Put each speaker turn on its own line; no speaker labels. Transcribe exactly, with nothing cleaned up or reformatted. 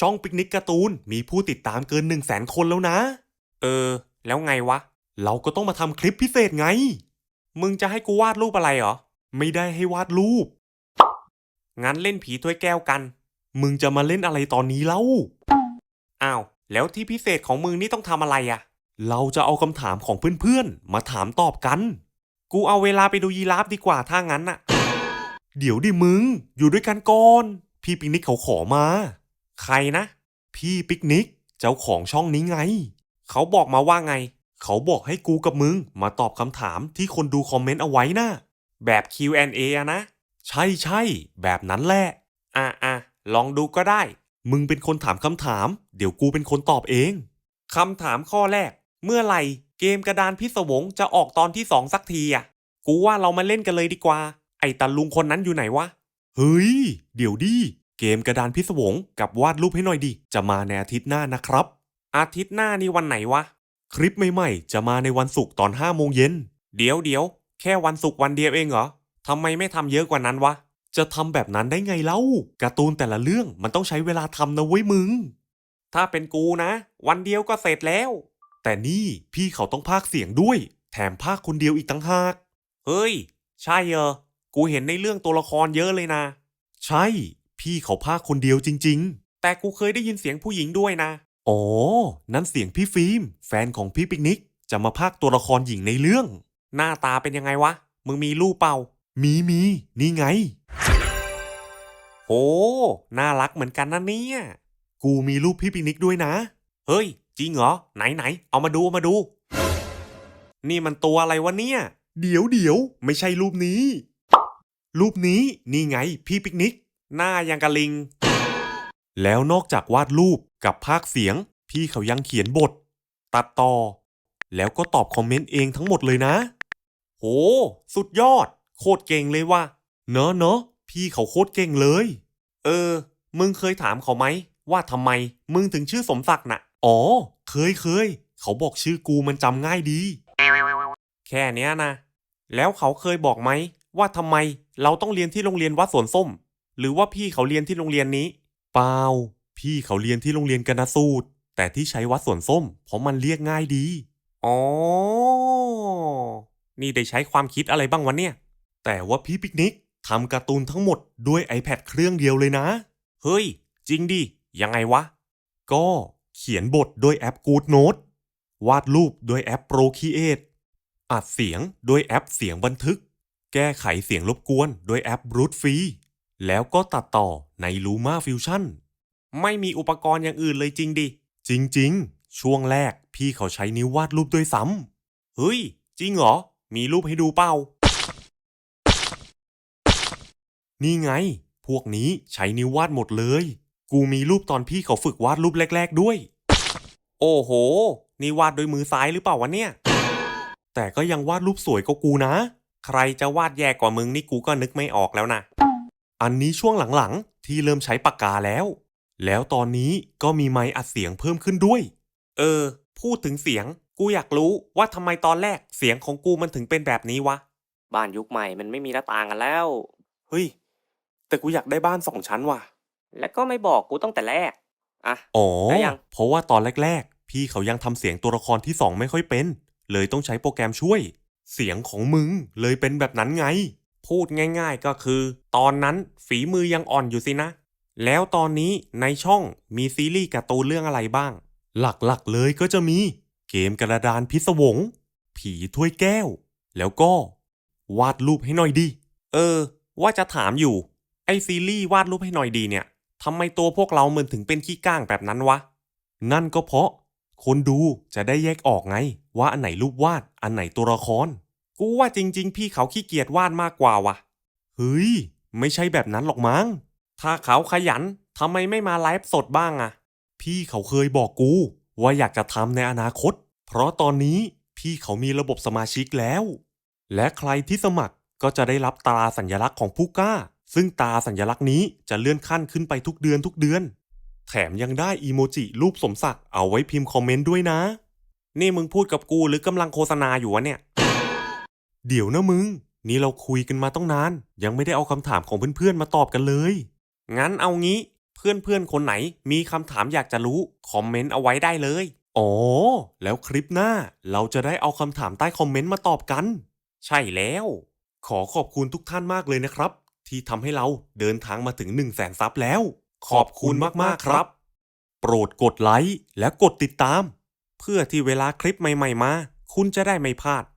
ช่องปิกนิกการ์ตูนมีผู้ติดตามเกินหนึ่งแสนคนแล้วนะเออแล้วไงวะเราก็ต้องมาทำคลิปพิเศษไงมึงจะให้กูวาดรูปอะไรเหรอไม่ได้ให้วาดรูปงั้นเล่นผีถ้วยแก้วกันมึงจะมาเล่นอะไรตอนนี้เล่าอ้าวแล้วที่พิเศษของมึงนี่ต้องทำอะไรอะเราจะเอาคำถามของเพื่อนๆมาถามตอบกันกูเอาเวลาไปดูยีราฟดีกว่าถ้างั้นน่ะเดี๋ยวดิมึงอยู่ด้วยกันก่อนพี่ปิกนิกเขาขอมาใครนะพี่ปิกนิกเจ้าของช่องนี้ไงเขาบอกมาว่าไงเขาบอกให้กูกับมึงมาตอบคำถามที่คนดูคอมเมนต์เอาไว้นะแบบ คิว แอนด์ เอ อะนะใช่ใช่แบบนั้นแหละอ่ะอ่ะลองดูก็ได้มึงเป็นคนถามคำถามเดี๋ยวกูเป็นคนตอบเองคำถามข้อแรกเมื่อไหร่เกมกระดานพิศวงจะออกตอนที่สองสักทีอ่ะกูว่าเรามาเล่นกันเลยดีกว่าไอ้ตาลุงคนนั้นอยู่ไหนวะเฮ้ยเดี๋ยวดิเกมกระดานพิศวงกับวาดรูปให้หน่อยดิจะมาในอาทิตย์หน้านะครับอาทิตย์หน้านี่วันไหนวะคลิปใหม่ๆจะมาในวันศุกร์ตอนห้าโมงเย็นเดี๋ยวเดี๋ยวแค่วันศุกร์วันเดียวเองเหรอทำไมไม่ทำเยอะกว่านั้นวะจะทำแบบนั้นได้ไงเล่าการ์ตูนแต่ละเรื่องมันต้องใช้เวลาทำนะเว้ยมึงถ้าเป็นกูนะวันเดียวก็เสร็จแล้วแต่นี่พี่เขาต้องพากย์เสียงด้วยแถมพากย์คนเดียวอีกตั้งหากเฮ้ยใช่เหรอกูเห็นในเรื่องตัวละครเยอะเลยนะใช่พี่เขาพากย์คนเดียวจริงๆแต่กูเคยได้ยินเสียงผู้หญิงด้วยนะอ๋อนั่นเสียงพี่ฟิล์มแฟนของพี่ปิกนิกจะมาพากย์ตัวละครหญิงในเรื่องหน้าตาเป็นยังไงวะมึงมีรูปเปล่ามีมีนี่ไงโอ้น่ารักเหมือนกันนะเนี่ยกูมีรูปพี่ปิกนิกด้วยนะเฮ้ยจริงเหรอไหนไหนเอามาดูเอามาดูนี่มันตัวอะไรวะเนี่ยเดี๋ยวเดี๋ยวไม่ใช่รูปนี้รูปนี้นี่ไงพี่ปิกนิกหน้ายังกะลิงแล้วนอกจากวาดรูปกับพากย์เสียงพี่เขายังเขียนบทตัดต่อแล้วก็ตอบคอมเมนต์เองทั้งหมดเลยนะโหสุดยอดโคตรเก่งเลยว่ะเนอะเนอะพี่เขาโคตรเก่งเลยเออมึงเคยถามเขาไหมว่าทำไมมึงถึงชื่อสมศักดิ์น่ะอ๋อเคยเคยเขาบอกชื่อกูมันจำง่ายดีแค่เนี้ยนะแล้วเขาเคยบอกไหมว่าทำไมเราต้องเรียนที่โรงเรียนวัดสวนส้มหรือว่าพี่เขาเรียนที่โรงเรียนนี้เปล่าพี่เขาเรียนที่โรงเรียนกนสูตรแต่ที่ใช้วัดสวนส้มเพราะมันเรียกง่ายดีอ๋อนี่ได้ใช้ความคิดอะไรบ้างวะเนี่ยแต่ว่าพี่ปิกนิกทำการ์ตูนทั้งหมดด้วย iPad เครื่องเดียวเลยนะเฮ้ยจริงดิยังไงวะก็เขียนบทด้วยแอป GoodNote วาดรูปด้วยแอป Procreate อัดเสียงด้วยแอปเสียงบันทึกแก้ไขเสียงรบกวนด้วยแอป Brute Free แล้วก็ตัดต่อใน Luma Fusion ไม่มีอุปกรณ์อย่างอื่นเลยจริงดิจริงๆช่วงแรกพี่เขาใช้นิ้ววาดรูปด้วยซ้ำเฮ้ยจริงเหรอมีรูปให้ดูเปล่านี่ไงพวกนี้ใช้นิ้ววาดหมดเลยกูมีรูปตอนพี่เขาฝึกวาดรูปแรกๆด้วยโอ้โหนี่วาดด้วยมือซ้ายหรือเปล่าวะเนี่ยแต่ก็ยังวาดรูปสวยกว่ากูนะใครจะวาดแย่กว่ามึงนี่กูก็นึกไม่ออกแล้วนะอันนี้ช่วงหลังๆที่เริ่มใช้ปากกาแล้วแล้วตอนนี้ก็มีไมค์อัดเสียงเพิ่มขึ้นด้วยเออพูดถึงเสียงกูอยากรู้ว่าทำไมตอนแรกเสียงของกูมันถึงเป็นแบบนี้วะบ้านยุคใหม่มันไม่มีหน้าต่างกันแล้วเฮ้ยแต่กูอยากได้บ้านสองชั้นว่ะแล้วก็ไม่บอกกูตั้งแต่แรกอ่ะอ๋อเพราะว่าตอนแรกๆพี่เขายังทำเสียงตัวละครที่สองไม่ค่อยเป็นเลยต้องใช้โปรแกรมช่วยเสียงของมึงเลยเป็นแบบนั้นไงพูดง่ายๆก็คือตอนนั้นฝีมือยังอ่อนอยู่สินะแล้วตอนนี้ในช่องมีซีรีส์การ์ตูนเรื่องอะไรบ้างหลักๆเลยก็จะมีเกมกระดานพิศวงผีถ้วยแก้วแล้วก็วาดรูปให้หน่อยดิเออว่าจะถามอยู่ไอซีรีส์วาดรูปให้หน่อยดีเนี่ยทำไมตัวพวกเราเหมือนถึงเป็นขี้ก้างแบบนั้นวะนั่นก็เพราะคนดูจะได้แยกออกไงว่าอันไหนรูปวาดอันไหนตัวละครกูว่าจริงๆพี่เขาขี้เกียจวาดมากกว่าวะเฮ้ยไม่ใช่แบบนั้นหรอกมั้งถ้าเขาขยันทำไมไม่มาไลฟ์สดบ้างอะพี่เขาเคยบอกกูว่าอยากจะทำในอนาคตเพราะตอนนี้พี่เขามีระบบสมาชิกแล้วและใครที่สมัครก็จะได้รับตราสัญลักษณ์ของผู้กล้าซึ่งตราสัญลักษณ์นี้จะเลื่อนขั้นขึ้นไปทุกเดือนทุกเดือนแถมยังได้อีโมจิรูปสมศักดิ์เอาไว้พิมพ์คอมเมนต์ด้วยนะนี่มึงพูดกับกูหรือกำลังโฆษณาอยู่วะเนี่ยเดี๋ยวนะมึงนี่เราคุยกันมาต้องนานยังไม่ได้เอาคำถามของเพื่อนๆมาตอบกันเลยงั้นเอางี้เพื่อนๆคนไหนมีคำถามอยากจะรู้คอมเมนต์เอาไว้ได้เลยอ๋อแล้วคลิปหน้าเราจะได้เอาคำถามใต้คอมเมนต์มาตอบกันใช่แล้วขอขอบคุณทุกท่านมากเลยนะครับที่ทำให้เราเดินทางมาถึงหนึ่งแสนซับแล้วขอบคุณมากๆครับโปรดกดไลค์และกดติดตามเพื่อที่เวลาคลิปใหม่ๆมาคุณจะได้ไม่พลาด